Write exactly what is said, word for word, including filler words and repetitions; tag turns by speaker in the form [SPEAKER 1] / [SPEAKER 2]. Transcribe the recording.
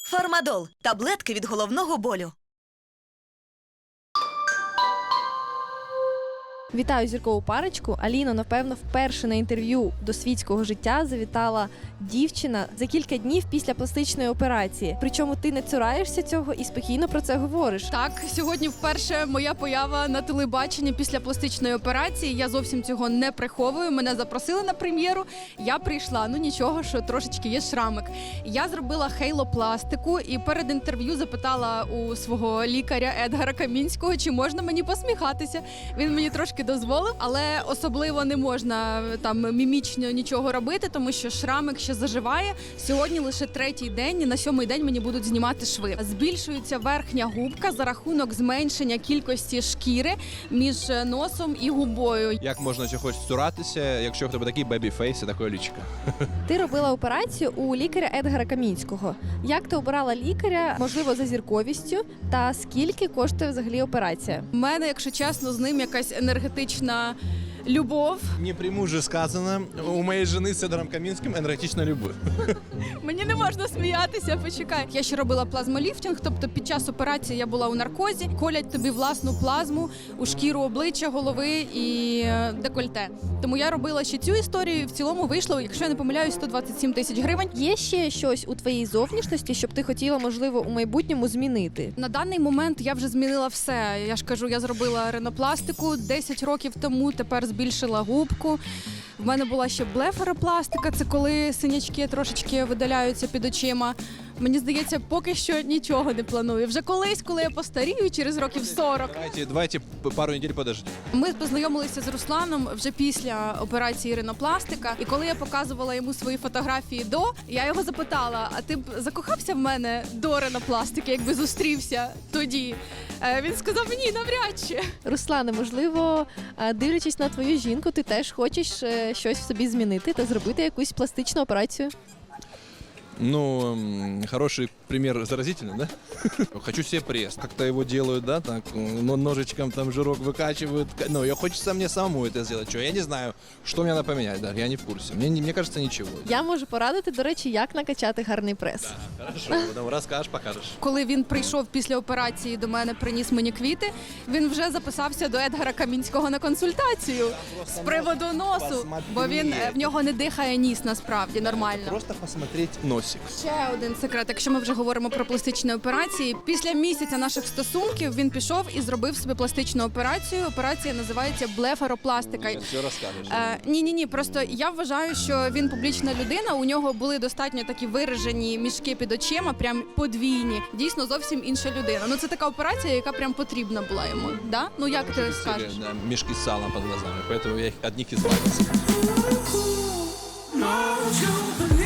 [SPEAKER 1] Фармадол – таблетки від головного болю.
[SPEAKER 2] Вітаю зіркову парочку. Аліно, напевно, вперше на інтерв'ю до світського життя завітала дівчина за кілька днів після пластичної операції. Причому ти не цураєшся цього і спокійно про це говориш.
[SPEAKER 3] Так, сьогодні вперше моя поява на телебаченні після пластичної операції. Я зовсім цього не приховую. Мене запросили на прем'єру. Я прийшла. Ну нічого, що трошечки є шрамик. Я зробила хейлопластику і перед інтерв'ю запитала у свого лікаря Едгара Камінського, чи можна мені посміхатися. Він мені трошки дозволив, але особливо не можна там мімічно нічого робити, тому що шрамик ще заживає. Сьогодні лише третій день, і на сьомий день мені будуть знімати шви. Збільшується верхня губка за рахунок зменшення кількості шкіри між носом і губою.
[SPEAKER 4] Як можна чогось цуратися, якщо в тебе такий бебі-фейс і таке лічко?
[SPEAKER 2] Ти робила операцію у лікаря Едгара Камінського. Як ти обирала лікаря, можливо, за зірковістю, та скільки коштує взагалі операція?
[SPEAKER 3] У мене, якщо чесно, з ним якась енергетична любов.
[SPEAKER 4] Не пряму же сказано, у моєї жени з Едгаром Камінським енергетична любов.
[SPEAKER 3] Мені не можна сміятися, почекай. Я ще робила плазмоліфтинг, тобто під час операції я була у наркозі, колять тобі власну плазму у шкіру обличчя, голови і декольте. Тому я робила ще цю історію, і в цілому вийшло, якщо я не помиляюсь, сто двадцять сім тисяч гривень.
[SPEAKER 2] Є ще щось у твоїй зовнішності, щоб ти хотіла, можливо, у майбутньому змінити?
[SPEAKER 3] На даний момент я вже змінила все. Я ж кажу, я зробила ринопластику десять років тому, тепер збільшила губку. В мене була ще блефаропластика, це коли синячки трошечки видаляються під очима. Мені здається, поки що нічого не планую. Вже колись, коли я постарію, через років сорок.
[SPEAKER 4] Давайте, давайте пару неділь подождіть.
[SPEAKER 3] Ми познайомилися з Русланом вже після операції ринопластика. І коли я показувала йому свої фотографії до, я його запитала, а ти б закохався в мене до ринопластики, якби зустрівся тоді? Е, Він сказав, ні, навряд чи.
[SPEAKER 2] Руслане, можливо, а, дивлячись на твою жінку, ти теж хочеш е, щось в собі змінити та зробити якусь пластичну операцію?
[SPEAKER 4] Ну, м, хороший пример заразительный, да? Хочу себе пресс. Как-то его делают, да, так, но ножичком там жирок выкачивают. Ну, я хочется мне самому это сделать. Что, я не знаю, что мне надо поменять, да, я не в курсе. Мне, не- мне кажется, ничего.
[SPEAKER 2] Я можу порадити, до речі, як накачати гарний прес.
[SPEAKER 4] Хорошо, потом расскажешь, покажешь.
[SPEAKER 3] Коли він прийшов після операції до мене, приніс мені квіти, він вже записався до Едгара Камінського на консультацію з приводу носу, бо він е, в нього не дихає ніс насправді нормально.
[SPEAKER 4] Просто посмотреть носик.
[SPEAKER 3] Ще один секрет, якщо ми вже говоримо про пластичні операції. Після місяця наших стосунків він пішов і зробив собі пластичну операцію. Операція називається блефаропластика.
[SPEAKER 4] Все расскажешь.
[SPEAKER 3] Е, ні, ні, ні. Просто я вважаю, що він публічна людина. У нього були достатньо такі виражені мішки під очима, прям подвійні. Дійсно, зовсім інша людина. Ну це така операція, яка прям потрібна була йому. Да? Ну як ти скажеш?
[SPEAKER 4] Да, мешки с салом под глазами, поэтому я их от них избавился.
[SPEAKER 5] No, you